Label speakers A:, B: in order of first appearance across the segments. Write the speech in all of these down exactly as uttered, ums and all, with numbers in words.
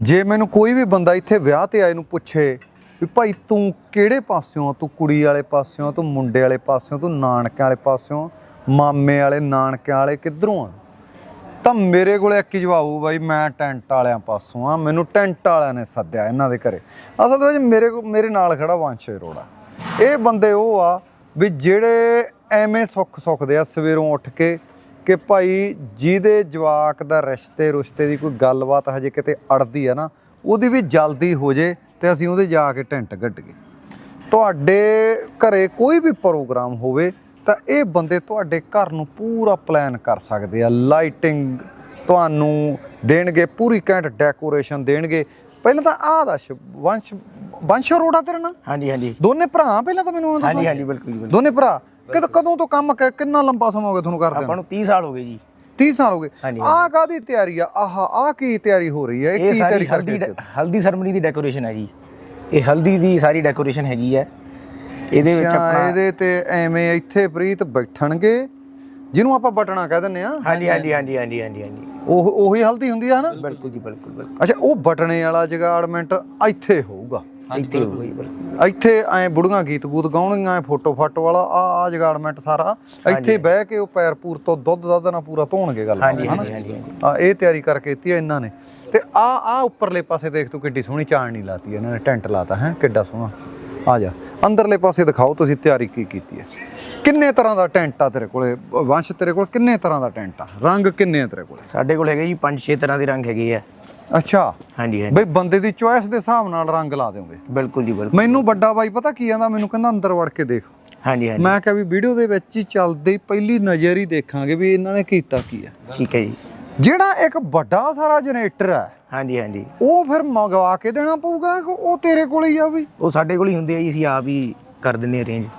A: ਜੇ ਮੈਨੂੰ ਕੋਈ ਵੀ ਬੰਦਾ ਇੱਥੇ ਵਿਆਹ ਤੇ ਆਏ ਨੂੰ ਪੁੱਛੇ ਵੀ ਭਾਈ ਤੂੰ ਕਿਹੜੇ ਪਾਸਿਓਂ, ਤੂੰ ਕੁੜੀ ਵਾਲੇ ਪਾਸਿਓਂ, ਤੂੰ ਮੁੰਡੇ ਵਾਲੇ ਪਾਸਿਓਂ, ਤੂੰ ਨਾਨਕਿਆਂ ਵਾਲੇ ਪਾਸਿਓਂ, ਮਾਮੇ ਵਾਲੇ, ਨਾਨਕਿਆਂ ਵਾਲੇ, ਕਿੱਧਰੋਂ ਆ, ਤਾਂ ਮੇਰੇ ਕੋਲ ਇੱਕ ਹੀ ਜਵਾਬ ਹੋਊ, ਬਾਈ ਮੈਂ ਟੈਂਟ ਵਾਲਿਆਂ ਪਾਸੋਂ ਆ, ਮੈਨੂੰ ਟੈਂਟ ਵਾਲਿਆਂ ਨੇ ਸੱਦਿਆ ਇਹਨਾਂ ਦੇ ਘਰੇ। ਅਸਲ ਦੇ ਵਿੱਚ ਮੇਰੇ ਮੇਰੇ ਨਾਲ ਖੜਾ ਵੰਸ਼ ਅਰੋੜਾ। ਇਹ ਬੰਦੇ ਉਹ ਆ ਵੀ ਜਿਹੜੇ ਐਵੇਂ ਸੁੱਖ ਸੁੱਖਦੇ ਆ ਸਵੇਰੋਂ ਉੱਠ ਕੇ ਕਿ ਭਾਈ ਜਿਹਦੇ ਜਵਾਕ ਦਾ ਰਿਸ਼ਤੇ ਰੁਸ਼ਤੇ ਦੀ ਕੋਈ ਗੱਲਬਾਤ ਹਜੇ ਕਿਤੇ ਅੜਦੀ ਆ ਨਾ, ਉਹਦੀ ਵੀ ਜਲਦੀ ਹੋ ਜੇ ਤੇ ਅਸੀਂ ਉਹਦੇ ਜਾ ਕੇ ਟੈਂਟ ਗੱਡੀਏ। ਤੁਹਾਡੇ ਘਰੇ ਕੋਈ ਵੀ ਪ੍ਰੋਗਰਾਮ ਹੋਵੇ ਤਾਂ ਇਹ ਬੰਦੇ ਤੁਹਾਡੇ ਘਰ ਨੂੰ ਪੂਰਾ ਪਲਾਨ ਕਰ ਸਕਦੇ ਆ, ਲਾਈਟਿੰਗ ਤੁਹਾਨੂੰ ਦੇਣਗੇ, ਪੂਰੀ ਘੈਂਟ ਡੈਕੋਰੇਸ਼ਨ ਦੇਣਗੇ। ਪਹਿਲਾਂ ਤਾਂ ਆਹ ਦੱਸ ਵੰਸ਼ ਵੰਸ਼ ਅਰੋੜਾ ਤੇਰਾ ਨਾ?
B: ਹਾਂਜੀ ਹਾਂਜੀ
A: ਦੋਨੇ ਭਰਾ ਪਹਿਲਾਂ ਤਾਂ ਮੈਨੂੰ?
B: ਹਾਂਜੀ ਹਾਂਜੀ ਬਿਲਕੁਲ
A: ਦੋਨੇ ਭਰਾ। ਕਦੋਂ ਕਦੋਂ ਤੋਂ ਕੰਮ ਕਿੰਨਾ ਲੰਬਾ ਸਮਾਂ ਹੋ ਗਿਆ ਤੁਹਾਨੂੰ ਕਰਦੇ?
B: ਆਪਾਂ ਨੂੰ ਤੀਹ ਸਾਲ ਹੋ ਗਏ ਜੀ।
A: ਤੀਹ ਸਾਲ ਹੋ ਗਏ। ਆਹ ਕਾਹਦੀ ਤਿਆਰੀ ਆ? ਆਹ ਆਹ ਕੀ ਤਿਆਰੀ ਹੋ ਰਹੀ ਹੈ?
B: ਇਹ ਸਾਰੀ ਹਲਦੀ ਹਲਦੀ ਸਰਮਨੀ ਦੀ ਡੈਕੋਰੇਸ਼ਨ ਹੈ ਜੀ। ਇਹ ਹਲਦੀ ਦੀ ਸਾਰੀ ਡੈਕੋਰੇਸ਼ਨ ਹੈਗੀ ਹੈ। ਇਹਦੇ ਵਿੱਚ ਆਪਣਾ
A: ਇਹਦੇ ਤੇ ਐਵੇਂ ਇੱਥੇ ਪ੍ਰੀਤ ਬੈਠਣਗੇ ਜਿਹਨੂੰ ਆਪਾਂ ਬਟਣਾ ਕਹਿ ਦਿੰਦੇ ਆ।
B: ਹਾਂਜੀ ਹਾਂਜੀ ਹਾਂਜੀ ਹਾਂਜੀ ਹਾਂਜੀ ਹਾਂਜੀ
A: ਉਹ ਉਹੀ ਹਲਦੀ ਹੁੰਦੀ ਆ ਨਾ?
B: ਬਿਲਕੁਲ ਜੀ ਬਿਲਕੁਲ ਬਿਲਕੁਲ।
A: ਅੱਛਾ, ਉਹ ਬਟਣੇ ਵਾਲਾ ਜਗਾੜਮੈਂਟ ਇੱਥੇ ਹੋਊਗਾ?
B: ਇੱਥੇ ਹੋਊਗਾ ਜੀ ਬਿਲਕੁਲ।
A: ਇੱਥੇ ਐਂ ਬੁੜੀਆਂ ਗੀਤ ਗੂਤ ਗਾਉਣਗੀਆਂ, ਫੋਟੋ ਫਾਟੋ ਵਾਲਾ ਆ ਆ ਜਗਾੜਮੈਂਟ ਸਾਰਾ ਇੱਥੇ ਬਹਿ ਕੇ ਉਹ ਪੈਰ ਪੂਰ ਤੋਂ ਦੁੱਧ ਦੱਧ ਨਾਲ ਪੂਰਾ ਧੋਣਗੇ ਗੱਲ।
B: ਹਾਂਜੀ ਹਾਂਜੀ ਹਾਂਜੀ
A: ਆ ਇਹ ਤਿਆਰੀ ਕਰਕੇ ਦਿੱਤੀ ਆ ਇਹਨਾਂ ਨੇ। ਤੇ ਆ ਆ ਉੱਪਰਲੇ ਪਾਸੇ ਦੇਖ ਤੂੰ ਕਿੱਡੀ ਸੋਹਣੀ ਚਾਣਨੀ ਲਾਤੀ ਇਹਨਾਂ ਨੇ, ਟੈਂਟ ਲਾਤਾ ਹੈ ਕਿੱਡਾ ਸੋਹਣਾ। ਆ ਜਾ ਅੰਦਰਲੇ ਪਾਸੇ ਦਿਖਾਓ ਤੁਸੀਂ ਤਿਆਰੀ ਕੀ ਕੀਤੀ ਹੈ। ਕਿੰਨੇ ਤਰ੍ਹਾਂ ਦਾ ਟੈਂਟ ਆ ਤੇਰੇ ਕੋਲੇ ਵੰਸ਼? ਤੇਰੇ ਕੋਲ ਕਿੰਨੇ ਤਰ੍ਹਾਂ ਦਾ ਟੈਂਟ ਆ? ਰੰਗ ਕਿੰਨੇ ਆ ਤੇਰੇ ਕੋਲ?
B: ਸਾਡੇ ਕੋਲ ਹੈਗੇ ਜੀ ਪੰਜ ਛੇ ਤਰ੍ਹਾਂ ਦੇ ਰੰਗ ਹੈਗੇ ਆ।
A: ਅੱਛਾ
B: ਹਾਂਜੀ ਹਾਂਜੀ
A: ਬਈ ਬੰਦੇ ਦੀ ਚੋਇਸ ਦੇ ਹਿਸਾਬ ਨਾਲ ਰੰਗ ਲਾ ਦਿਓਗੇ?
B: ਬਿਲਕੁਲ ਜੀ ਬਿਲਕੁਲ।
A: ਮੈਨੂੰ ਵੱਡਾ ਬਾਈ ਪਤਾ ਕੀ ਕਹਿੰਦਾ, ਮੈਨੂੰ ਕਹਿੰਦਾ ਅੰਦਰ ਵੜ ਕੇ ਦੇਖ।
B: ਹਾਂਜੀ ਹਾਂਜੀ
A: ਮੈਂ ਕਿਹਾ ਵੀ ਵੀਡੀਓ ਦੇ ਵਿੱਚ ਹੀ ਚੱਲਦੇ ਹੀ ਪਹਿਲੀ ਨਜ਼ਰ ਹੀ ਦੇਖਾਂਗੇ ਵੀ ਇਹਨਾਂ ਨੇ ਕੀਤਾ ਕੀ ਹੈ।
B: ਠੀਕ ਹੈ ਜੀ।
A: ਜਿਹੜਾ ਇੱਕ ਵੱਡਾ ਸਾਰਾ ਜਨਰੇਟਰ ਹੈ
B: ਹਾਂਜੀ ਹਾਂਜੀ
A: ਉਹ ਫਿਰ ਮੰਗਵਾ ਕੇ ਦੇਣਾ ਪਊਗਾ ਕਿ ਉਹ ਤੇਰੇ ਕੋਲ ਹੀ ਆ? ਵੀ
B: ਉਹ ਸਾਡੇ ਕੋਲ ਹੀ ਹੁੰਦੇ ਆ ਜੀ, ਅਸੀਂ ਆਪ ਹੀ ਕਰ ਦਿੰਦੇ ਆ ਅਰੇਂਜ।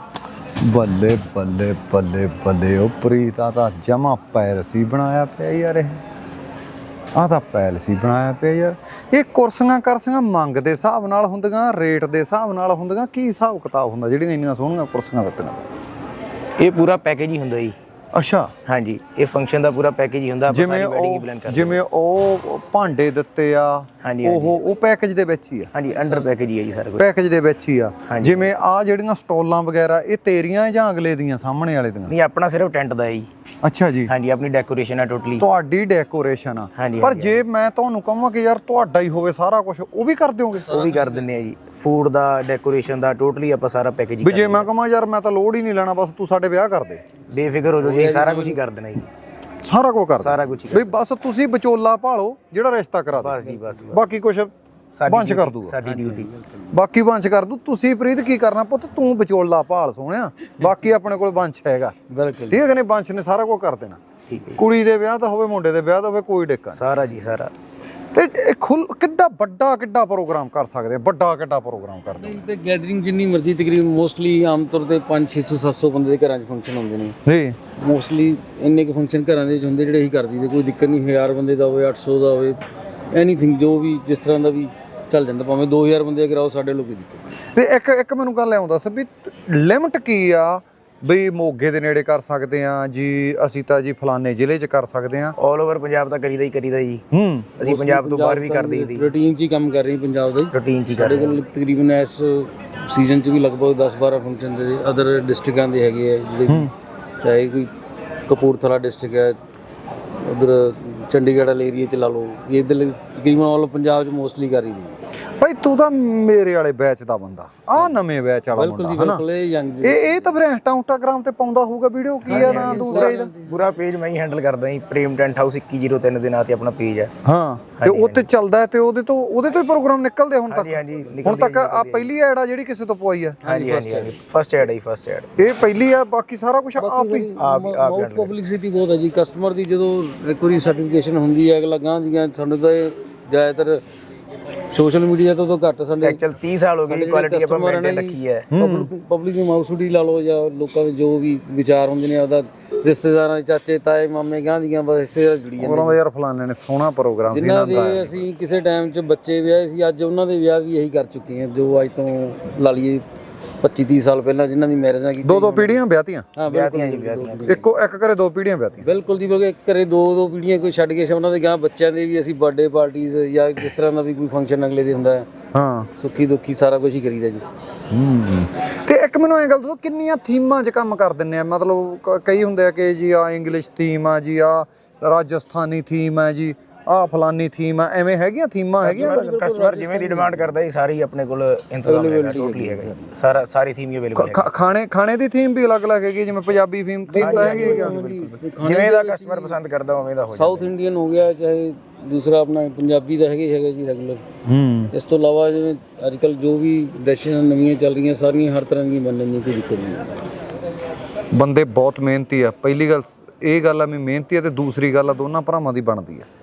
A: ਬੱਲੇ ਬੱਲੇ ਬੱਲੇ ਬੱਲੇ, ਉਹ ਪ੍ਰੀਤਾ ਤਾਂ ਜਮਾ ਪੈਲਸ ਹੀ ਬਣਾਇਆ ਪਿਆ ਯਾਰ। ਇਹ ਆਹ ਤਾਂ ਪੈਲਸ ਹੀ ਬਣਾਇਆ ਪਿਆ ਯਾਰ। ਇਹ ਕੁਰਸੀਆਂ ਕਰਸੀਆਂ ਮੰਗ ਦੇ ਹਿਸਾਬ ਨਾਲ ਹੁੰਦੀਆਂ, ਰੇਟ ਦੇ ਹਿਸਾਬ ਨਾਲ ਹੁੰਦੀਆਂ, ਕੀ ਹਿਸਾਬ ਕਿਤਾਬ ਹੁੰਦਾ ਜਿਹੜੀਆਂ ਇੰਨੀਆਂ ਸੋਹਣੀਆਂ ਕੁਰਸੀਆਂ ਦਿੱਤੀਆਂ?
B: ਇਹ ਪੂਰਾ ਪੈਕੇਜ ਹੀ ਹੁੰਦਾ ਜੀ।
A: ਅੱਛਾ
B: ਹਾਂਜੀ, ਇਹ ਫੰਕਸ਼ਨ ਦਾ ਪੂਰਾ ਪੈਕੇਜ ਹੀ ਹੁੰਦਾ।
A: ਜਿਵੇਂ ਉਹ ਜਿਵੇਂ ਉਹ ਭਾਂਡੇ ਦਿੱਤੇ ਆ ਉਹ ਉਹ ਪੈਕੇਜ ਦੇ ਵਿੱਚ ਹੀ ਆ?
B: ਹਾਂਜੀ ਅੰਡਰ ਪੈਕੇਜ ਹੀ ਹੈ ਜੀ ਸਾਰਾ ਕੁਝ,
A: ਪੈਕੇਜ ਦੇ ਵਿੱਚ ਹੀ ਆ। ਜਿਵੇਂ ਆ ਜਿਹੜੀਆਂ ਸਟਾਲਾਂ ਵਗੈਰਾ ਇਹ ਤੇਰੀਆਂ ਜਾਂ ਅਗਲੇ ਦੀਆਂ, ਸਾਹਮਣੇ ਵਾਲੇ ਦੀਆਂ?
B: ਨਹੀਂ, ਆਪਣਾ ਸਿਰਫ ਟੈਂਟ ਦਾ ਹੈ ਜੀ।
A: ਅੱਛਾ ਜੀ।
B: ਹਾਂਜੀ, ਆਪਣੀ ਡੈਕੋਰੇਸ਼ਨ ਆ ਟੋਟਲੀ।
A: ਤੁਹਾਡੀ ਡੈਕੋਰੇਸ਼ਨ ਆ? ਪਰ ਜੇ ਮੈਂ ਤੁਹਾਨੂੰ ਕਹਾਂ ਕਿ ਯਾਰ ਤੁਹਾਡਾ ਹੀ ਹੋਵੇ ਸਾਰਾ ਕੁਝ, ਉਹ ਵੀ ਕਰ ਦਿਓਗੇ?
B: ਉਹ ਵੀ ਕਰ ਦਿੰਦੇ ਆ ਜੀ। ਫੂਡ ਦਾ, ਡੈਕੋਰੇਸ਼ਨ ਦਾ, ਟੋਟਲੀ ਆਪਾਂ ਸਾਰਾ ਪੈਕੇਜ ਹੀ।
A: ਵੀ ਜੇ ਮੈਂ ਕਹਾਂ ਯਾਰ ਮੈਂ ਤਾਂ ਲੋੜ ਹੀ ਨਹੀਂ ਲੈਣਾ, ਬਸ ਤੂੰ ਸਾਡੇ ਵਿਆਹ ਕਰ ਦੇ,
B: ਬੇਫਿਕਰ ਹੋ ਜਾਓ ਜੀ, ਸਾਰਾ ਕੁਝ ਹੀ ਕਰ ਦੇਣਾ ਜੀ।
A: ਸਾਰਾ ਕੁਝ ਕਰ
B: ਸਾਰਾ ਕੁਝ ਹੀ
A: ਬਈ ਬਸ ਤੁਸੀਂ ਵਿਚੋਲਾ ਭਾਲੋ ਜਿਹੜਾ ਰਿਸ਼ਤਾ ਕਰਾ ਦੇ।
B: ਬਸ ਜੀ ਬਸ।
A: ਬਾਕੀ ਕੁਝ ਬੰਚ ਕਰ ਦੂਗਾ,
B: ਸਾਡੀ ਡਿਊਟੀ।
A: ਬਾਕੀ ਬੰਚ ਕਰ ਦੂ। ਤੁਸੀਂ ਪ੍ਰੀਤ ਕੀ ਕਰਨਾ ਪੁੱਤ? ਤੂੰ ਵਿਚੋਲਾ ਭਾਲ ਸੋਹਣਿਆ, ਬਾਕੀ ਆਪਣੇ ਕੋਲ ਬੰਚ ਹੈਗਾ।
B: ਬਿਲਕੁਲ
A: ਠੀਕ ਹੈ ਨੇ, ਬੰਚ ਨੇ ਸਾਰਾ ਕੁਝ ਕਰ ਦੇਣਾ।
B: ਠੀਕ ਹੈ।
A: ਕੁੜੀ ਦੇ ਵਿਆਹ ਦਾ ਹੋਵੇ, ਮੁੰਡੇ ਦੇ ਵਿਆਹ ਦਾ ਹੋਵੇ, ਕੋਈ ਡਿੱਕਾ
B: ਸਾਰਾ ਜੀ ਸਾਰਾ।
A: ਤੇ ਇਹ ਖੁੱਲ ਕਿੱਡਾ ਵੱਡਾ ਕਿੱਡਾ ਪ੍ਰੋਗਰਾਮ ਕਰ ਸਕਦੇ, ਵੱਡਾ ਕਿੱਡਾ ਪ੍ਰੋਗਰਾਮ ਕਰਦੇ?
C: ਤੇ ਗੈਦਰਿੰਗ ਜਿੰਨੀ ਮਰਜ਼ੀ, ਤਕਰੀਬਨ ਮੋਸਟਲੀ ਆਮ ਤੌਰ ਤੇ ਪੰਜ ਛੇ ਸੌ ਸੱਤ ਸੌ ਬੰਦੇ ਦੇ ਘਰਾਂ 'ਚ ਫੰਕਸ਼ਨ ਹੁੰਦੇ ਨੇ
A: ਜੀ।
C: ਮੋਸਟਲੀ ਇੰਨੇ ਕੁ ਫੰਕਸ਼ਨ ਘਰਾਂ ਦੇ ਵਿੱਚ ਹੁੰਦੇ ਜਿਹੜੇ ਅਸੀਂ ਕਰਦੀ ਤੇ ਕੋਈ ਦਿੱਕਤ ਨਹੀਂ। ਹਜ਼ਾਰ ਬੰਦੇ ਦਾ ਹੋਵੇ, ਅੱਠ ਸੌ ਦਾ ਹੋਵੇ, ਐਨੀਥਿੰਗ ਜੋ ਵੀ ਜਿਸ ਤਰ੍ਹਾਂ ਦਾ ਵੀ ਚੱਲ ਜਾਂਦਾ। ਭਾਵੇਂ ਦੋ ਹਜ਼ਾਰ ਬੰਦੇ ਕਰਾਓ, ਸਾਡੇ ਲੋਕ ਹੀ ਦਿੱਕਤ।
A: ਤੇ ਇੱਕ ਇੱਕ ਮੈਨੂੰ ਗੱਲ ਆਉਂਦਾ ਸੀ ਵੀ ਲਿਮਟ ਕੀ ਆ? ਬਈ ਮੋਗੇ ਦੇ ਨੇੜੇ ਕਰ ਸਕਦੇ ਆ ਜੀ, ਅਸੀਂ ਤਾਂ ਜੀ ਫਲਾਣੇ ਜ਼ਿਲ੍ਹੇ 'ਚ ਕਰ ਸਕਦੇ ਆ?
B: ਆਲ ਓਵਰ ਪੰਜਾਬ ਤਾਂ ਕਰੀਦਾ ਹੀ ਕਰੀਦਾ ਜੀ।
C: ਹੂੰ,
B: ਅਸੀਂ ਪੰਜਾਬ ਤੋਂ ਬਾਹਰ ਵੀ ਕਰ ਦਈਦੀ।
C: ਰੂਟੀਨ 'ਚ ਹੀ ਕੰਮ ਕਰ ਰਹੀ ਪੰਜਾਬ ਦਾ,
B: ਰੂਟੀਨ 'ਚ ਹੀ ਕਰ
C: ਸਾਡੇ ਕੋਲ ਤਕਰੀਬਨ ਇਸ ਸੀਜ਼ਨ 'ਚ ਵੀ ਲਗਭਗ ਦਸ ਬਾਰਾਂ ਫੰਕਸ਼ਨ ਦੇ ਅਦਰ ਡਿਸਟ੍ਰਿਕਾਂ ਦੇ ਹੈਗੇ ਆ, ਜਿਹੜੇ ਚਾਹੇ ਕੋਈ ਕਪੂਰਥਲਾ ਡਿਸਟ੍ਰਿਕਟ ਹੈ, ਉਧਰ ਚੰਡੀਗੜ੍ਹ ਵਾਲੇ ਏਰੀਆ 'ਚ ਲਾ ਲਓ, ਇੱਧਰ ਤਕਰੀਬਨ ਆਲ ਪੰਜਾਬ 'ਚ ਮੋਸਟਲੀ ਕਰ ਹੀ ਰਹੀ।
A: ਭਾਈ ਤੂੰ ਤਾਂ ਮੇਰੇ ਵਾਲੇ ਬੈਚ ਦਾ ਬੰਦਾ, ਆ ਨਵੇਂ ਬੈਚ ਵਾਲਾ ਮੁੰਡਾ ਹਨਾ? ਇਹ ਇਹ ਤਾਂ ਫਿਰ ਇੰਸਟਾਗ੍ਰਾਮ ਤੇ ਪਾਉਂਦਾ ਹੋਊਗਾ ਵੀਡੀਓ, ਕੀ ਆ ਨਾ ਦੂਸਰਾ ਇਹਦਾ?
B: ਪੂਰਾ ਪੇਜ ਮੈਂ ਹੀ ਹੈਂਡਲ ਕਰਦਾ ਜੀ। ਪ੍ਰੇਮ ਟੈਂਟ ਹਾਊਸ ਇੱਕੀ ਜ਼ੀਰੋ ਤਿੰਨ ਦੇ ਨਾਂ ਤੇ ਆਪਣਾ ਪੇਜ ਹੈ।
A: ਹਾਂ, ਤੇ ਉਹ ਤੇ ਚੱਲਦਾ ਤੇ ਉਹਦੇ ਤੋਂ ਉਹਦੇ ਤੋਂ ਹੀ ਪ੍ਰੋਗਰਾਮ ਨਿਕਲਦੇ ਹੁਣ ਤੱਕ?
B: ਹਾਂਜੀ
A: ਹੁਣ ਤੱਕ ਆ ਪਹਿਲੀ ਐਡ ਆ ਜਿਹੜੀ ਕਿਸੇ ਤੋਂ ਪਵਾਈ ਆ?
B: ਹਾਂਜੀ ਹਾਂਜੀ ਹਾਂਜੀ, ਫਸਟ ਐਡ ਹੈ, ਫਸਟ ਐਡ
A: ਇਹ ਪਹਿਲੀ ਆ, ਬਾਕੀ ਸਾਰਾ ਕੁਝ ਆਪ ਹੀ?
C: ਆਪ ਪਬਲਿਸਿਟੀ ਬਹੁਤ ਹੈ ਜੀ। ਕਸਟਮਰ ਦੀ ਜਦੋਂ ਇੱਕ ਵਾਰੀ ਸਰਟੀਫਿਕੇਸ਼ਨ ਹੁੰਦੀ ਹੈ, ਅਗਲਾ ਗਾਂ ਦੀਆਂ ਸਾਨੂੰ ਤਾਂ ਜ਼ਿਆਦਾਤਰ ਸੋਸ਼ਲ ਮੀਡੀਆ ਤੋਂ ਤਾਂ ਘੱਟ। ਸਾਡੇ
B: ਐਕਚੁਅਲ ਤੀਹ ਸਾਲ ਹੋ ਗਏ ਕੁਆਲਿਟੀ ਆਪਾਂ ਮੇਨਟੇਨ ਰੱਖੀ ਹੈ।
C: ਪਬਲਿਕ ਦੀ ਮਾਊਸੂਡੀ ਲਾ ਲਓ ਜਾਂ ਲੋਕਾਂ ਦੇ ਜੋ ਵੀ ਵਿਚਾਰ ਹੁੰਦੇ ਨੇ, ਆਪਦਾ ਰਿਸ਼ਤੇਦਾਰਾਂ ਦੇ ਚਾਚੇ ਤਾਏ ਮਾਮੇ ਗਾਂ ਦੀਆਂ ਬਸ ਇਸੇ ਨਾਲ ਜੁੜੀ ਜਾਂਦੇ।
A: ਉਹਨਾਂ ਦਾ ਯਾਰ ਫਲਾਣੇ ਨੇ ਸੋਹਣਾ ਪ੍ਰੋਗਰਾਮ ਸੀ
C: ਜਿਨ੍ਹਾਂ ਦੇ ਅਸੀਂ ਕਿਸੇ ਟਾਈਮ 'ਚ ਬੱਚੇ ਵਿਆਹੇ ਸੀ, ਅੱਜ ਉਹਨਾਂ ਦੇ ਵਿਆਹ ਵੀ ਇਹੀ ਕਰ ਚੁੱਕੇ ਹਾਂ। ਜੋ ਅੱਜ ਤੋਂ ਲਾ ਲਈਏ ਪੱਚੀ ਤੀਹ ਸਾਲ ਪਹਿਲਾਂ ਜਿਨ੍ਹਾਂ ਦੀ ਮੈਰਿਜਾਂ ਕੀਤੀ
A: ਦੋ ਦੋ ਪੀੜ੍ਹੀਆਂ ਵਿਆਹਤੀਆਂ
C: ਹਾਂ
B: ਵਿਆਹਤੀਆਂ ਜੀ
C: ਬਿਲਕੁਲ
B: ਵਿਆਹਤੀਆਂ
A: ਇੱਕੋ ਇੱਕ ਘਰੇ ਦੋ ਪੀੜ੍ਹੀਆਂ ਵਿਆਹਤੀਆਂ
C: ਬਿਲਕੁਲ ਜੀ ਬਿਲਕੁਲ ਘਰੇ ਦੋ ਦੋ ਪੀੜ੍ਹੀਆਂ ਕੋਈ ਛੱਡ ਕੇ ਉਹਨਾਂ ਦੇ ਗਾਂ ਬੱਚਿਆਂ ਦੇ ਵੀ ਅਸੀਂ ਬਰਥਡੇ ਪਾਰਟੀਆਂ ਜਾਂ ਜਿਸ ਤਰ੍ਹਾਂ ਦਾ ਵੀ ਕੋਈ ਫੰਕਸ਼ਨ ਅਗਲੇ ਦੇ ਹੁੰਦਾ ਹੈ
A: ਹਾਂ
C: ਸੁੱਖੀ ਦੁੱਖੀ ਸਾਰਾ ਕੁਝ ਹੀ ਕਰੀਦਾ ਜੀ।
A: ਹੂੰ ਤੇ ਇੱਕ ਮੈਨੂੰ ਇਹ ਗੱਲ ਦੱਸੋ ਕਿੰਨੀਆਂ ਥੀਮਾਂ 'ਚ ਕੰਮ ਕਰ ਦਿੰਦੇ ਆ ਮਤਲਬ ਕ- ਕਈ ਹੁੰਦੇ ਆ ਕਿ ਜੀ ਆ ਇੰਗਲਿਸ਼ ਥੀਮ ਆ ਜੀ ਆ ਰਾਜਸਥਾਨੀ ਥੀਮ ਆ ਜੀ ਆ ਫਲਾਨੀ ਥੀਮ ਆ ਐਵੇਂ ਹੈਗੀਆਂ ਥੀਮਾਂ ਹੈਗੀਆਂ
B: ਕਸਟਮਰ ਜਿਵੇਂ ਦੀ ਡਿਮਾਂਡ ਕਰਦਾ ਜੀ ਸਾਰੀ ਆਪਣੇ ਕੋਲ ਇੰਤਜ਼ਾਮ ਹੈਗਾ ਟੋਟਲੀ ਹੈਗਾ ਜੀ ਸਾਰਾ ਸਾਰੀ ਥੀਮ ਹੀ ਅਵੇਲੇਬਲ ਹੈ
A: ਖਾ- ਖਾਣੇ ਖਾਣੇ ਦੀ ਥੀਮ ਵੀ ਅਲੱਗ-ਅਲੱਗ ਹੈਗੀ ਜਿਵੇਂ ਪੰਜਾਬੀ ਥੀਮ ਥੀਮ ਤਾਂ ਹੈਗੀ ਹੈਗਾ
B: ਜਿਵੇਂ ਦਾ ਕਸਟਮਰ ਪਸੰਦ ਕਰਦਾ ਉਵੇਂ ਦਾ ਹੋ ਜਾਂਦਾ
C: ਸਾਊਥ ਇੰਡੀਅਨ ਹੋ ਗਿਆ ਚਾਹੇ ਦੂਸਰਾ ਆਪਣਾ ਪੰਜਾਬੀ ਦਾ ਹੈਗਾ ਹੀ ਹੈਗਾ ਜੀ ਰੈਗੂਲਰ।
A: ਹੂੰ
C: ਇਸ ਤੋਂ ਇਲਾਵਾ ਜਿਵੇਂ ਅੱਜ ਕੱਲ੍ਹ ਜੋ ਵੀ ਡਿਸ਼ਾਂ ਨਵੀਆਂ ਚੱਲ ਰਹੀਆਂ ਸਾਰੀਆਂ ਹਰ ਤਰ੍ਹਾਂ ਦੀਆਂ ਬਣਨ ਦੀ ਕੋਈ ਦਿੱਕਤ ਨਹੀਂ।
A: ਬੰਦੇ ਬਹੁਤ ਮਿਹਨਤੀ ਆ ਪਹਿਲੀ ਗੱਲ ਇਹ ਗੱਲ ਆ ਵੀ ਮਿਹਨਤੀ ਆ ਤੇ ਦੂਸਰੀ ਗੱਲ ਆ ਦੋਨਾਂ ਭਰਾਵਾਂ ਦੀ ਬਣਦੀ ਆ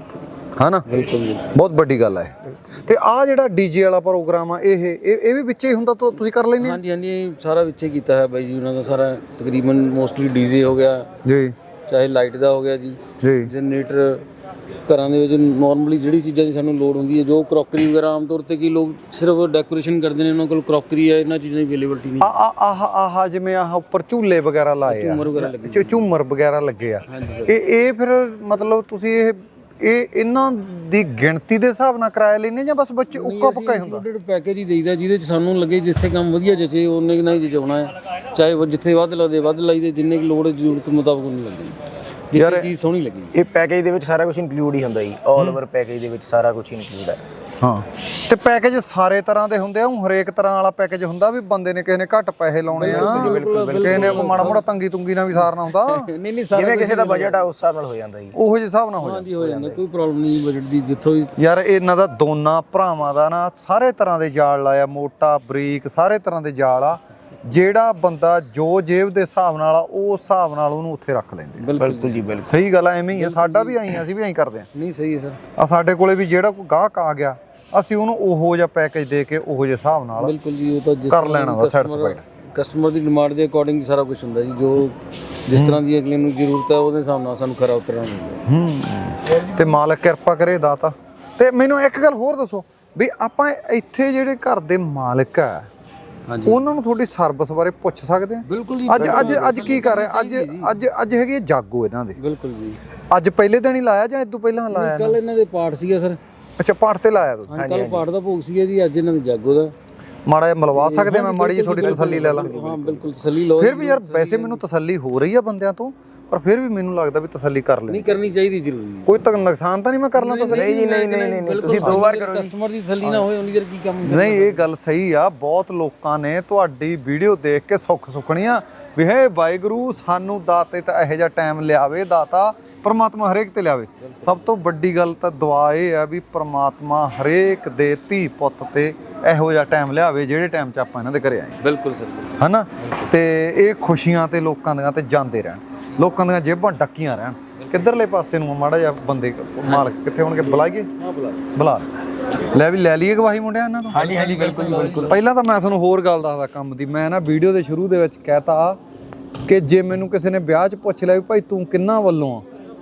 A: ਹਨਾ
C: ਬਿਲਕੁਲ ਜੀ
A: ਬਹੁਤ ਵੱਡੀ ਗੱਲ ਆ ਇਹ ਤੇ ਆ ਜਿਹੜਾ ਡੀਜੇ ਵਾਲਾ ਪ੍ਰੋਗਰਾਮ ਆ ਇਹ ਇਹ ਇਹ ਵੀ ਵਿੱਚੇ ਹੀ ਹੁੰਦਾ ਤੁ- ਤੁਸੀਂ ਕਰ ਲੈਂਦੇ ਆ
C: ਹਾਂਜੀ ਹਾਂਜੀ ਇਹ ਸਾਰਾ ਵਿੱਚੇ ਕੀਤਾ ਹੈ ਬਾਈ ਜੀ ਉਹਨਾਂ ਦਾ ਸਾਰਾ ਤਕਰੀਬਨ ਮੋਸਟਲੀ ਡੀਜੇ ਹੋ ਗਿਆ
A: ਜੀ
C: ਚਾਹੇ ਲਾਈਟ ਦਾ ਹੋ ਗਿਆ ਜੀ
A: ਜੀ
C: ਜਨਰੇਟਰ ਘਰਾਂ ਦੇ ਵਿੱਚ ਨਾਰਮਲੀ ਜਿਹੜੀ ਚੀਜ਼ਾਂ ਦੀ ਸਾਨੂੰ ਲੋੜ ਹੁੰਦੀ ਹੈ ਜੋ ਕਰੋਕਰੀ ਵਗੈਰਾ ਆਮ ਤੌਰ ਤੇ ਕੀ ਲੋਕ ਸਿਰਫ ਡੈਕੋਰੇਸ਼ਨ ਕਰਦੇ ਨੇ ਉਹਨਾਂ ਕੋਲ ਕਰੋਕਰੀ ਹੈ ਇਹਨਾਂ ਚੀਜ਼ਾਂ ਦੀ ਅਵੇਲੇਬਿਲਟੀ ਨਹੀਂ
A: ਆ ਆ ਆਹ ਆਹ ਜਿਵੇਂ ਆਹ ਉੱਪਰ ਝੂਲੇ ਵਗੈਰਾ ਲਾਏ ਆ
C: ਝੂਮਰ ਵਗੈਰਾ ਲੱਗੇ
A: ਝ- ਝੂਮਰ ਵਗੈਰਾ ਲੱਗੇ ਆ
C: ਹਾਂਜੀ
A: ਇਹ ਇਹ ਫਿਰ ਮਤਲਬ ਤੁਸੀਂ ਇਹ ਇਹ ਇਹਨਾਂ ਦੀ ਗਿਣਤੀ ਦੇ ਹਿਸਾਬ ਨਾਲ ਕਿਰਾਇਆ ਲੈਂਦੇ ਜਾਂ ਬਸ ਬੱਚੇ ਉੱਕਾ ਪੱਕਾ ਹੀ ਹੁੰਦਾ
C: ਇੰਕਲੂਡਡ ਪੈਕੇਜ ਹੀ ਦੇਈਦਾ ਜਿਹਦੇ ਚ ਸਾਨੂੰ ਲੱਗੇ ਜਿੱਥੇ ਕੰਮ ਵਧੀਆ ਜਚੇ ਉਹਨੇ ਨਾਲ ਹੀ ਜਚਾਉਣਾ ਹੈ ਚਾਹੇ ਉਹ ਜਿੱਥੇ ਵੱਧ ਲੱਗਦੇ ਵੱਧ ਲਾਈਦੇ ਜਿੰਨੇ ਕੁ ਲੋੜ ਜ਼ਰੂਰਤ ਮੁਤਾਬਕ ਨਹੀਂ ਲੱਗਦੀ ਜਿੱਥੇ ਚੀਜ਼ ਸੋਹਣੀ ਲੱਗੀ।
B: ਇਹ ਪੈਕੇਜ ਦੇ ਵਿੱਚ ਸਾਰਾ ਕੁਝ ਇਨਕਲੂਡ ਹੀ ਹੁੰਦਾ ਜੀ ਆਲ ਓਵਰ ਪੈਕੇਜ ਦੇ ਵਿੱਚ ਸਾਰਾ ਕੁਝ ਇਨਕਲੂਡ ਹੈ।
A: ਹਾਂ ਤੇ ਪੈਕੇਜ ਸਾਰੇ ਤਰ੍ਹਾਂ ਦੇ ਹੁੰਦੇ ਆ ਉਹ ਹਰੇਕ ਤਰ੍ਹਾਂ ਵਾਲਾ ਪੈਕੇਜ ਹੁੰਦਾ ਵੀ ਬੰਦੇ ਨੇ ਕਿਸੇ ਨੇ ਘੱਟ ਪੈਸੇ ਲਾਉਣੇ ਆ ਕਿਸੇ ਨੇ ਕੋਈ ਮਾੜਾ ਮੋੜਾ ਤੰਗੀ ਤੁੰਗੀ ਨਾਲ ਵੀ ਸਾਰਨਾ ਹੁੰਦਾ
C: ਨਹੀਂ ਨਹੀਂ ਸਾਰਾ
B: ਜਿਵੇਂ ਕਿਸੇ ਦਾ ਬਜਟ ਆ ਉਸ ਹਿਸਾਬ ਨਾਲ ਹੋ ਜਾਂਦਾ ਜੀ
A: ਉਹੋ ਜਿਹੇ ਹਿਸਾਬ ਨਾਲ ਹੋ ਜਾਂਦਾ
C: ਹਾਂਜੀ ਹੋ ਜਾਂਦਾ ਕੋਈ ਪ੍ਰੋਬਲਮ ਨਹੀਂ ਬਜਟ ਦੀ ਜਿੱਥੋਂ ਵੀ
A: ਯਾਰ ਇਹਨਾਂ ਦਾ ਦੋਨਾਂ ਭਰਾਵਾਂ ਦਾ ਨਾ ਸਾਰੇ ਤਰ੍ਹਾਂ ਦੇ ਜਾਲ ਲਾਇਆ ਮੋਟਾ ਬਰੀਕ ਸਾਰੇ ਤਰ੍ਹਾਂ ਦੇ ਜਾਲ ਆ ਜਿਹੜਾ ਬੰਦਾ ਜੋ ਜੇਬ ਦੇ ਹਿਸਾਬ ਨਾਲ ਆ ਉਹ ਹਿਸਾਬ ਨਾਲ ਉਹਨੂੰ ਉੱਥੇ ਰੱਖ ਲੈਂਦੇ
B: ਬਿਲਕੁਲ ਜੀ ਬਿਲਕੁਲ
A: ਸਹੀ ਗੱਲ ਆ ਐਵੇਂ ਹੀ ਆ ਸਾਡਾ ਵੀ ਆਈ ਅਸੀਂ ਵੀ ਐਂ ਕਰਦੇ ਆ
C: ਨਹੀਂ ਸਹੀ ਹੈ ਸਰ
A: ਆ ਸਾਡੇ ਕੋਲੇ ਵੀ ਜਿਹੜਾ ਕੋਈ ਗਾਹਕ ਆ ਗਿਆ ਅਸੀਂ ਉਹਨੂੰ ਉਹੋ ਜਿਹਾ ਪੈਕੇਜ ਦੇ ਕੇ ਉਹੋ ਜਿਹੇ ਹਿਸਾਬ ਨਾਲ
C: ਬਿਲਕੁਲ ਜੀ ਉਹ ਤਾਂ ਜਿਸ
A: ਕਰ ਲੈਣਾ ਦਾ ਸੈਟੀਸਫਾਈਡ
C: ਕਸਟਮਰ ਦੀ ਡਿਮਾਂਡ ਦੇ ਅਕੋਰਡਿੰਗ ਸਾਰਾ ਕੁਝ ਹੁੰਦਾ ਜੀ ਜੋ ਜਿਸ ਤਰ੍ਹਾਂ ਦੀ ਅਗਲੇ ਨੂੰ ਜ਼ਰੂਰਤ ਹੈ ਉਹਦੇ ਹਿਸਾਬ ਨਾਲ ਸਾਨੂੰ ਖਰਾ ਉਤਰਨਾ ਹੁੰਦਾ
A: ਹੂੰ ਤੇ ਮਾਲਕ ਕਿਰਪਾ ਕਰੇ ਦਾਤਾ ਤੇ ਮੈਨੂੰ ਇੱਕ ਗੱਲ ਹੋਰ ਦੱਸੋ ਵੀ ਆਪਾਂ ਇੱਥੇ ਜਿਹੜੇ ਘਰ ਦੇ ਮਾਲਕ ਆ
C: ਹਾਂਜੀ
A: ਉਹਨਾਂ ਨੂੰ ਤੁਹਾਡੀ ਸਰਵਿਸ ਬਾਰੇ ਪੁੱਛ ਸਕਦੇ ਆ
C: ਬਿਲਕੁਲ ਜੀ
A: ਅੱਜ ਅੱਜ ਅੱਜ ਕੀ ਕਰ ਰਹੇ ਅੱਜ ਅੱਜ ਅੱਜ ਹੈਗੀ ਹੈ ਜਾਗੋ ਇਹਨਾਂ ਦੀ
C: ਬਿਲਕੁਲ ਜੀ
A: ਅੱਜ ਪਹਿਲੇ ਦਿਨ ਹੀ ਲਾਇਆ ਜਾਂ ਇਦੋਂ ਪਹਿਲਾਂ ਲਾਇਆ
C: ਕੱਲ ਇਹਨਾਂ ਦੇ ਪਾਠ ਸੀਗਾ ਸਰ
A: ਅੱਛਾ ਪਾਠ ਤੇ ਲਾਇਆ ਤੂੰ
C: ਹਾਂ ਕੱਲ ਪਾਠ ਦਾ ਭੋਗ ਸੀਗਾ ਜੀ ਅੱਜ ਇਹਨਾਂ ਦੇ ਜਾਗੋ ਦਾ
A: ਮਾੜਾ ਜਿਹਾ ਮਿਲਵਾ ਸਕਦੇ ਆ ਮੈਂ ਮਾੜੀ ਜੀ ਤੁਹਾਡੀ ਤਸੱਲੀ ਲੈ ਲਾਂ
C: ਹਾਂ ਬਿਲਕੁਲ ਤਸੱਲੀ ਲਓ
A: ਫਿਰ ਵੀ ਯਾਰ ਵੈਸੇ ਮੈਨੂੰ ਤਸੱਲੀ ਹੋ ਰਹੀ ਆ ਬੰਦਿਆਂ ਤੋਂ ਪਰ ਫਿਰ ਵੀ ਮੈਨੂੰ ਲੱਗਦਾ ਵੀ ਤਸੱਲੀ ਕਰ ਲੈਣੀ
C: ਨਹੀਂ ਕਰਨੀ ਚਾਹੀਦੀ ਜ਼ਰੂਰੀ
A: ਕੋਈ ਤੱਕ ਨੁਕਸਾਨ ਤਾਂ ਨਹੀਂ ਮੈਂ ਕਰਨਾ ਤਸੱਲੀ
B: ਨਹੀਂ ਜੀ ਨਹੀਂ ਨਹੀਂ ਨਹੀਂ ਤੁਸੀਂ ਦੋ ਵਾਰ ਕਰੋ ਜੀ
C: ਕਸਟਮਰ ਦੀ ਤਸੱਲੀ ਨਾ ਹੋਏ ਉਨੀ ਦੇਰ ਕੀ ਕੰਮ
A: ਨਹੀਂ ਇਹ ਗੱਲ ਸਹੀ ਆ ਬਹੁਤ ਲੋਕਾਂ ਨੇ ਤੁਹਾਡੀ ਵੀਡੀਓ ਦੇਖ ਕੇ ਸੁੱਖ ਸੁਖਣੀਆਂ ਵੀ ਹੇ ਵਾਹਿਗੁਰੂ ਸਾਨੂੰ ਦਾਤੇ ਤਾਂ ਇਹੋ ਜਿਹਾ ਟਾਈਮ ਲਿਆਵੇ ਦਾਤਾ ਪਰਮਾਤਮਾ ਹਰੇਕ ਤੇ ਲਿਆਵੇ ਸਭ ਤੋਂ ਵੱਡੀ ਗੱਲ ਤਾਂ ਦੁਆ ਇਹ ਆ ਵੀ ਪਰਮਾਤਮਾ ਹਰੇਕ ਦੇ ਧੀ ਪੁੱਤ ਤੇ ਇਹੋ ਜਿਹਾ ਟਾਈਮ ਲਿਆਵੇ ਜਿਹੜੇ ਟਾਈਮ 'ਚ ਆਪਾਂ ਇਹਨਾਂ ਦੇ ਘਰੇ ਆਏ
C: ਬਿਲਕੁਲ ਸਰ
A: ਹਨਾ ਤੇ ਇਹ ਖੁਸ਼ੀਆਂ ਤੇ ਲੋਕਾਂ ਦੀਆਂ ਤੇ ਜਾਂਦੇ ਰਹਿਣ ਲੋਕਾਂ ਦੀਆਂ ਜੇਬਾਂ ਡੱਕੀਆਂ ਰਹਿਣ ਕਿੱਧਰਲੇ ਪਾਸੇ ਨੂੰ ਮਾੜਾ ਜਿਹਾ ਬੰਦੇ ਮਾਲਕ ਕਿੱਥੇ ਹੋਣਗੇ ਬੁਲਾਈਏ
C: ਹਾਂ ਬੁਲਾ
A: ਬੁਲਾ ਲੈ ਵੀ ਲੈ ਲਈਏ ਗਵਾਹੀ ਮੁੰਡਿਆਂ ਇਹਨਾਂ ਤੋਂ
B: ਹਾਂਜੀ ਹਾਂਜੀ ਬਿਲਕੁਲ ਜੀ ਬਿਲਕੁਲ
A: ਪਹਿਲਾਂ ਤਾਂ ਮੈਂ ਤੁਹਾਨੂੰ ਹੋਰ ਗੱਲ ਦੱਸਦਾ ਕੰਮ ਦੀ ਮੈਂ ਨਾ ਵੀਡੀਓ ਦੇ ਸ਼ੁਰੂ ਦੇ ਵਿੱਚ ਕਹਿਤਾ ਕਿ ਜੇ ਮੈਨੂੰ ਕਿਸੇ ਨੇ ਵਿਆਹ 'ਚ ਪੁੱਛ ਲਿਆ ਵੀ ਭਾਈ ਤੂੰ ਕਿੰਨਾ ਵੱਲੋਂ ਆ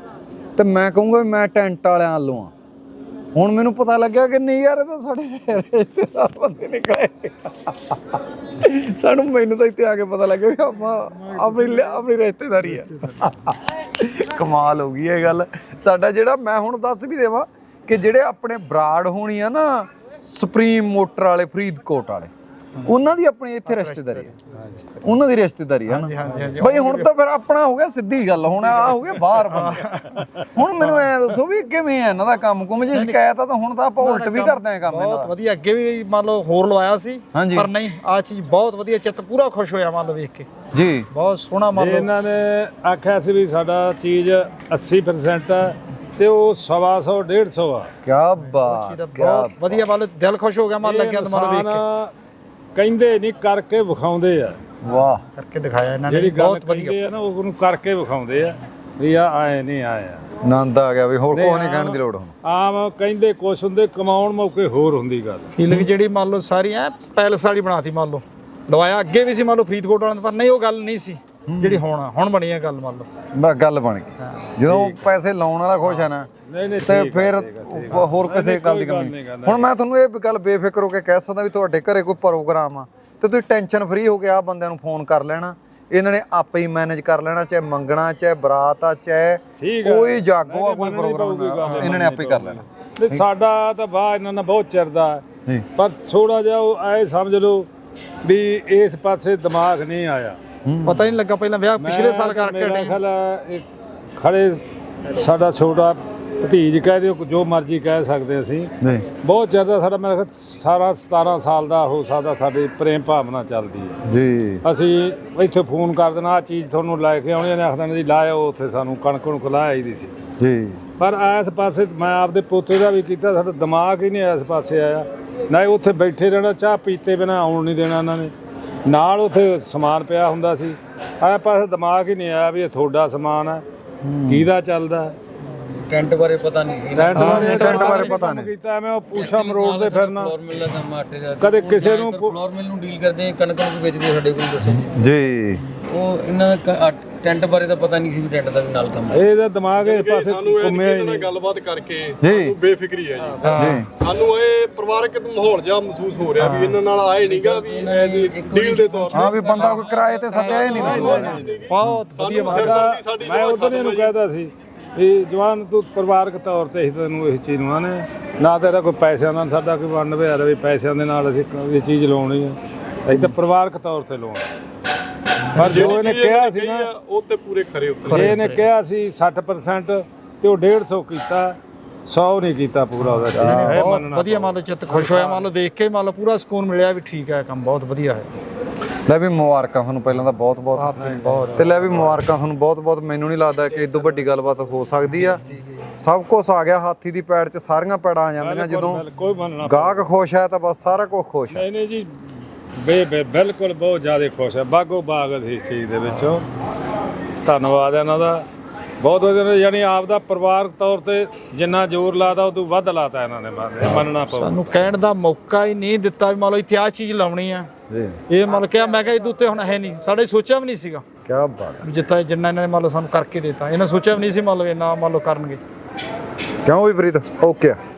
A: ਤੇ ਮੈਂ ਕਹੂੰਗਾ ਵੀ ਮੈਂ ਟੈਂਟ ਵਾਲਿਆਂ ਵੱਲੋਂ ਆ ਹੁਣ ਮੈਨੂੰ ਪਤਾ ਲੱਗਿਆ ਕਿ ਨਹੀਂ ਯਾਰ ਇਹ ਤਾਂ ਸਾਡੇ ਰਿਸ਼ਤੇਦਾਰ ਬੰਦੇ ਨਿਕਲੇ ਸਾਨੂੰ ਮੈਨੂੰ ਤਾਂ ਇੱਥੇ ਆ ਕੇ ਪਤਾ ਲੱਗਿਆ ਵੀ ਆਪਾਂ ਆਪਣੀ ਆਪਣੀ ਰਿਸ਼ਤੇਦਾਰੀ ਆ ਕਮਾਲ ਹੋ ਗਈ ਇਹ ਗੱਲ ਸਾਡਾ ਜਿਹੜਾ ਮੈਂ ਹੁਣ ਦੱਸ ਵੀ ਦੇਵਾਂ ਕਿ ਜਿਹੜੇ ਆਪਣੇ ਬਰਾੜ ਹੋਣੀ ਆ ਨਾ ਸੁਪਰੀਮ ਮੋਟਰ ਵਾਲੇ ਫਰੀਦਕੋਟ ਵਾਲੇ ਉਹਨਾਂ ਦੀ ਆਪਣੀ ਇੱਥੇ ਰਿਸ਼ਤੇਦਾਰੀ ਹੈ ਉਹਨਾਂ ਦੀ ਰਿਸ਼ਤੇਦਾਰੀ ਹੈ ਨਾ ਬਈ ਹੁਣ ਤਾਂ ਫਿਰ ਆਪਣਾ ਹੋ ਗਿਆ ਸਿੱਧੀ ਗੱਲ ਹੁਣ ਆ ਹੋ ਗਿਆ ਬਾਹਰ ਬੰਦੇ ਹੁਣ ਮੈਨੂੰ ਐ ਦੱਸੋ ਵੀ ਕਿਵੇਂ ਹੈ ਇਹਨਾਂ ਦਾ ਕੰਮ ਕੁਮ ਜੇ ਸ਼ਿਕਾਇਤ ਆ ਤਾਂ ਹੁਣ ਤਾਂ ਆਪਾਂ ਉਲਟ ਵੀ ਕਰਦੇ ਆ ਕੰਮ ਇਹਨਾਂ
D: ਬਹੁਤ ਵਧੀਆ ਅੱਗੇ ਵੀ ਮੰਨ ਲਓ ਹੋਰ ਲਵਾਇਆ ਸੀ
A: ਹਾਂਜੀ।
D: ਪਰ ਨਹੀਂ ਆ ਚੀਜ਼ ਬਹੁਤ ਵਧੀਆ ਚਿੱਤ ਪੂਰਾ ਖੁਸ਼ ਹੋਇਆ ਮੰਨ ਲਓ ਵੇਖ ਕੇ
A: ਜੀ
D: ਬਹੁਤ ਸੋਹਣਾ ਮੰਨ ਲਓ
E: ਇਹਨਾਂ ਨੇ ਆਖਿਆ ਸੀ ਵੀ ਸਾਡਾ ਚੀਜ਼ ਅੱਸੀ ਪਰਸੈਂਟ ਹੈ ਤੇ ਉਹ ਸਵਾ ਸੌ ਡੇਢ ਸੌ ਆ
A: ਕੀ ਬਾਤ
D: ਚੀਜ਼ ਦਾ ਬਹੁਤ ਵਧੀਆ ਮੰਨ ਲਓ ਦਿਲ ਖੁਸ਼ ਹੋ ਗਿਆ ਮਨ ਲੱਗਿਆ ਤਾਂ ਮੰਨ ਲਓ ਵੇਖ ਕੇ
E: ਇਨਸਾਨ ਕਹਿੰਦੇ ਨਹੀਂ ਕਰਕੇ ਵਿਖਾਉਂਦੇ ਆ
A: ਵਾਹ
D: ਕਰਕੇ ਦਿਖਾਇਆ ਇਹਨਾਂ ਨੇ
E: ਜਿਹੜੀ ਗੱਲ
D: ਬਹੁਤ ਵਧੀਆ
E: ਕਹਿੰਦੇ ਆ ਨਾ ਉਹਨੂੰ ਕਰਕੇ ਵਿਖਾਉਂਦੇ ਆ ਵੀ ਆ ਆਏ ਨਹੀਂ ਆਏ ਆ
A: ਆਨੰਦ ਆ ਗਿਆ ਵੀ ਹੋਰ ਕੋਈ ਨਹੀਂ ਕਹਿਣ ਦੀ ਲੋੜ ਹੁਣ
E: ਆਮ ਕਹਿੰਦੇ ਕੁਛ ਹੁੰਦੇ ਕਮਾਉਣ ਮੌਕੇ ਹੋਰ ਹੁੰਦੀ ਗੱਲ
D: ਫੀਲਿੰਗ ਜਿਹੜੀ ਮੰਨ ਲਓ ਸਾਰੀ ਐ ਪੈਲਸ ਵਾਲੀ ਬਣਾਤੀ ਮੰਨ ਲਓ ਲਵਾਇਆ ਅੱਗੇ ਵੀ ਸੀ ਮੰਨ ਲਓ ਫਰੀਦਕੋਟ ਵਾਲਿਆਂ ਦੇ ਪਰ ਨਹੀਂ ਉਹ ਗੱਲ ਨਹੀਂ ਸੀ ਜਿਹੜੀ ਹੁਣ ਹੁਣ ਬਣੀ ਹੈ ਗੱਲ ਮੰਨ ਲਓ
A: ਬਸ ਗੱਲ ਬਣ ਗਈ ਜਦੋਂ ਪੈਸੇ ਲਾਉਣ ਵਾਲਾ ਖੁਸ਼ ਹੈ ਨਾ
E: ਨਹੀਂ ਨਹੀਂ
A: ਤੇ
E: ਠੀਕ ਆ,
A: ਫਿਰ
E: ਠੀਕ ਆ, ਠੀਕ ਆ।
A: ਹੋਰ ਕਿਸੇ
E: ਨਹੀਂ,
A: ਗੱਲ ਦੀ
E: ਕੋਈ
A: ਕਮੀ
E: ਨਹੀਂ
A: ਨਹੀਂ।
E: ਕਰਨਾ।
A: ਹੁਣ ਮੈਂ ਤੁਹਾਨੂੰ ਇਹ ਗੱਲ ਬੇਫਿਕਰ ਹੋ ਕੇ ਕਹਿ ਸਕਦਾ ਵੀ ਤੁਹਾਡੇ ਘਰੇ ਕੋਈ ਪ੍ਰੋਗਰਾਮ ਆ ਤੇ ਤੁਸੀਂ ਟੈਨਸ਼ਨ ਫ੍ਰੀ ਹੋ ਕੇ ਆ ਬੰਦਿਆਂ ਨੂੰ ਫੋਨ ਕਰ ਲੈਣਾ, ਇਹਨਾਂ ਨੇ ਆਪੇ ਹੀ ਮੈਨੇਜ ਕਰ ਲੈਣਾ, ਚਾਹੇ ਮੰਗਣਾ ਚਾਹੇ ਬਰਾਤ ਆ ਚਾਹੇ
E: ਠੀਕ ਆ।
A: ਕੋਈ ਜਾਗੋ ਆ
E: ਨਹੀਂ,
A: ਕੋਈ
E: ਮੰਨਣੀ
A: ਪ੍ਰੋਗਰਾਮ
E: ਪਊਗੀ ਗੱਲ,
A: ਇਹਨਾਂ ਨੇ ਆਪੇ ਹੀ ਕਰ ਲੈਣਾ।
E: ਨਹੀਂ ਸਾਡਾ ਤਾਂ ਬਾਹ ਇਹਨਾਂ ਨਾਲ ਬਹੁਤ ਚਿਰਦਾ
A: ਜੀ
E: ਪਰ ਥੋੜਾ ਜਿਹਾ ਉਹ ਐ ਸਮਝ ਲਓ ਵੀ ਇਸ ਪਾਸੇ ਦਿਮਾਗ ਨਹੀਂ ਆਇਆ।
D: ਪਤਾ ਹੀ ਨਹੀਂ ਲੱਗਾ ਪਹਿਲਾਂ ਵਿਆਹ ਪਿਛਲੇ ਸਾਲ ਕਰਕੇ
E: ਮੇਰਾ
D: ਹਟੇ।
E: ਖਿਆਲ ਹੈ ਇੱਕ ਖੜੇ ਸਾਡਾ ਛੋਟਾ ਭਤੀਜ ਕਹਿ ਦਿਓ ਜੋ ਮਰਜ਼ੀ ਕਹਿ ਸਕਦੇ ਅਸੀਂ,
A: ਜੀ
E: ਬਹੁਤ ਜ਼ਿਆਦਾ ਸਾਡਾ ਮੇਰਾ ਖਿਆਲ ਸਾਰਾ ਸਤਾਰਾਂ ਸਾਲ ਦਾ ਹੋ ਸਕਦਾ ਸਾਡੀ ਪ੍ਰੇਮ ਭਾਵਨਾ ਚੱਲਦੀ ਹੈ।
A: ਜੀ
E: ਅਸੀਂ ਇੱਥੇ ਫੋਨ ਕਰ ਦੇਣਾ ਆ ਚੀਜ਼ ਤੁਹਾਨੂੰ ਲੈ ਕੇ ਆਉਣੀ, ਨੇ ਆਖ ਦੇਣਾ ਜੀ ਲਾਇਓ, ਉੱਥੇ ਸਾਨੂੰ ਕਣਕ ਨੂੰ ਖਲਾਇਆ ਹੀ ਨਹੀਂ ਸੀ।
A: ਜੀ
E: ਪਰ ਇਸ ਪਾਸੇ ਮੈਂ ਆਪਦੇ ਪੋਤੇ ਦਾ ਵੀ ਕੀਤਾ, ਸਾਡਾ ਦਿਮਾਗ ਹੀ ਨਹੀਂ ਇਸ ਪਾਸੇ ਆਇਆ। ਨਾ ਉੱਥੇ ਬੈਠੇ ਰਹਿਣਾ, ਚਾਹ ਪੀਤੇ ਬਿਨਾਂ ਆਉਣ ਨਹੀਂ ਦੇਣਾ ਇਹਨਾਂ ਨੇ, ਨਾਲ ਉੱਥੇ ਸਮਾਨ ਪਿਆ ਹੁੰਦਾ ਸੀ। ਇਸ ਪਾਸੇ ਦਿਮਾਗ ਹੀ ਨਹੀਂ ਆਇਆ ਵੀ ਇਹ ਤੁਹਾਡਾ ਸਮਾਨ ਹੈ, ਕਿਹਦਾ ਚੱਲਦਾ।
C: ਟੈਂਟ ਬਾਰੇ ਪਤਾ ਨਹੀਂ ਸੀ।
E: ਟੈਂਟ ਬਾਰੇ
A: ਟੈਂਟ ਬਾਰੇ ਪਤਾ ਨਹੀਂ
E: ਕੀਤਾ ਐਵੇਂ ਉਹ ਪੂਛਾ ਮਰੋੜਦੇ ਫਿਰਨਾ,
C: ਫਲੋਰ ਮਿਲ ਦਾ ਕੰਮ ਆਟੇ ਦਾ,
E: ਕਦੇ ਕਿਸੇ ਨੂੰ
C: ਫਲੋਰ ਮਿਲ ਨੂੰ ਡੀਲ ਕਰਦੇ ਆ, ਕਣਕ ਨੂੰ ਵੇਚਦੇ ਸਾਡੇ ਕੋਲ ਦੱਸੋ ਜੀ।
A: ਜੀ
C: ਉਹ ਇਹਨਾਂ ਦਾ ਟੈਂਟ ਬਾਰੇ ਤਾਂ ਪਤਾ ਨਹੀਂ ਸੀ ਵੀ ਟੈਂਟ ਦਾ ਵੀ ਨਾਲ ਕੰਮ ਹੈ।
E: ਇਹਦਾ ਦਿਮਾਗ ਇਸ ਪਾਸੇ ਘੁੰਮਿਆ ਹੀ ਨਹੀਂ।
F: ਗੱਲਬਾਤ ਕਰਕੇ
A: ਜੀ
F: ਸਾਨੂੰ ਬੇਫਿਕਰੀ ਹੈ ਜੀ।
A: ਜੀ
F: ਸਾਨੂੰ ਇਹ ਪਰਿਵਾਰਕ ਮਾਹੌਲ ਜਿਹਾ ਮਹਿਸੂਸ ਹੋ ਰਿਹਾ ਵੀ ਇਹਨਾਂ ਨਾਲ ਆਏ ਨਹੀਂਗਾ ਵੀ ਐਜ਼ ਡੀਲ ਦੇ ਤੌਰ
A: ਹਾਂ ਵੀ ਬੰਦਾ ਕੋਈ ਕਿਰਾਏ ਤੇ ਸੱਦਿਆ ਹੀ ਨਹੀਂ
D: ਬਹੁਤ ਵਧੀਆ
E: ਸਾਡਾ ਮੈਂ ਉਦੋਂ ਹੀ ਇਹਨੂੰ ਕਹਿਦਾ ਸੀ ਵੀ ਜਵਾਨ ਤੂੰ ਪਰਿਵਾਰਕ ਤੌਰ ਤੇ ਹੀ ਤੈਨੂੰ ਇਸ ਚੀਜ਼ ਨੂੰ ਆਨੇ ਨਾ ਤੇਰਾ ਕੋਈ ਪੈਸਿਆਂ ਨਾਲ ਸਾਡਾ ਕੋਈ ਵੰਡ ਵਿਹਾਰ ਵੀ ਪੈਸਿਆਂ ਦੇ ਨਾਲ ਅਸੀਂ ਇਹ ਚੀਜ਼ ਲਾਉਣੀ ਹੈ, ਅਸੀਂ ਤਾਂ ਪਰਿਵਾਰਕ ਤੌਰ ਤੇ ਲਾਉਣੀ। ਪਰ ਜੋ ਇਹਨੇ ਕਿਹਾ ਸੀ ਨਾ
F: ਉਹ ਤੇ ਪੂਰੇ ਖਰੇ ਉਤਰੇ।
E: ਜੇ ਇਹਨੇ ਕਿਹਾ ਸੀ ਸੱਠ ਪਰਸੈਂਟ ਤੇ ਉਹ ਡੇਢ ਸੌ ਕੀਤਾ, ਸੌ ਨਹੀਂ ਕੀਤਾ ਪੂਰਾ ਉਹਦਾ ਚੀਜ਼ ਇਹ
D: ਬਹੁਤ
E: ਮੰਨਣਾ
D: ਵਧੀਆ, ਮੰਨ ਲਓ ਚਿੱਤ ਖੁਸ਼ ਹੋਇਆ, ਮੰਨ ਲਓ ਦੇਖ ਕੇ ਮੰਨ ਲਓ ਪੂਰਾ ਸਕੂਨ ਮਿਲਿਆ ਵੀ ਠੀਕ ਹੈ, ਕੰਮ ਬਹੁਤ ਵਧੀਆ ਹੈ।
A: ਲੈ ਵੀ ਮੁਬਾਰਕਾਂ ਤੁਹਾਨੂੰ ਪਹਿਲਾਂ ਤਾਂ ਬਹੁਤ ਬਹੁਤ
D: ਬਹੁਤ
A: ਤੇ ਲੈ ਵੀ ਮੁਬਾਰਕਾਂ ਤੁਹਾਨੂੰ ਬਹੁਤ ਬਹੁਤ। ਮੈਨੂੰ ਨਹੀਂ ਲੱਗਦਾ ਕਿ ਇਦੋਂ ਵੱਡੀ ਗੱਲਬਾਤ ਹੋ ਸਕਦੀ ਆ। ਸਭ ਕੁਝ ਆ ਗਿਆ ਹਾਥੀ ਦੀ ਪੈੜ 'ਚ, ਸਾਰੀਆਂ ਪੈੜਾਂ ਆ ਜਾਂਦੀਆਂ ਜਦੋਂ
E: ਕੋਈ ਮੰਨਣਾ
A: ਗਾਹਕ ਖੁਸ਼ ਹੈ ਤਾਂ ਬਸ ਸਾਰਾ ਕੁਝ ਖੁਸ਼ ਹੈ।
E: ਨਹੀਂ ਨਹੀਂ ਜੀ ਬੇ ਬੇ ਬਿਲਕੁਲ ਬਹੁਤ ਜ਼ਿਆਦਾ ਖੁਸ਼ ਹੈ, ਬਾਗੋ ਬਾਗ ਅਸੀਂ ਇਸ ਚੀਜ਼ ਦੇ ਵਿੱਚੋਂ। ਧੰਨਵਾਦ ਇਹਨਾਂ ਦਾ ਬਹੁਤ ਵਧੀਆ। ਯਾਨੀ ਆਪ ਦਾ ਪਰਿਵਾਰਕ ਤੌਰ ਤੇ ਜਿੰਨਾ ਜ਼ੋਰ ਲਾਦਾ ਉਦੋਂ ਵੱਧ ਲਾਤਾ ਇਹਨਾਂ ਨੇ, ਮੰਨਣਾ ਪਊ।
D: ਸਾਨੂੰ ਕਹਿਣ ਦਾ ਮੌਕਾ ਹੀ ਨਹੀਂ ਦਿੱਤਾ ਵੀ ਮੰਨ ਲਓ ਇੱਥੇ ਆਹ ਚੀਜ਼ ਲਾਉਣੀ ਆ।
A: ਜੀ
D: ਇਹ ਮੰਨ ਕਿਹਾ, ਮੈਂ ਕਿਹਾ ਇਹਦੇ ਉੱਤੇ ਹੁਣ ਹੈ ਨਹੀਂ, ਸਾਡੇ ਸੋਚਿਆ ਵੀ ਨਹੀਂ ਸੀਗਾ
A: ਕੀ ਬਾਤ
D: ਵੀ ਜਿੱਤਾ ਜਿੰਨਾ ਇਹਨਾਂ ਨੇ ਮੰਨ ਲਓ ਸਾਨੂੰ ਕਰਕੇ ਦਿੱਤਾ, ਇਹਨਾਂ ਸੋਚਿਆ ਵੀ ਨਹੀਂ ਸੀ ਮੰਨ ਲਓ ਇੰਨਾ ਮੰਨ ਲਓ ਕਰਨਗੇ।
A: ਕਿਉਂ ਵੀ ਪ੍ਰੀਤ ਓਕੇ ਆ।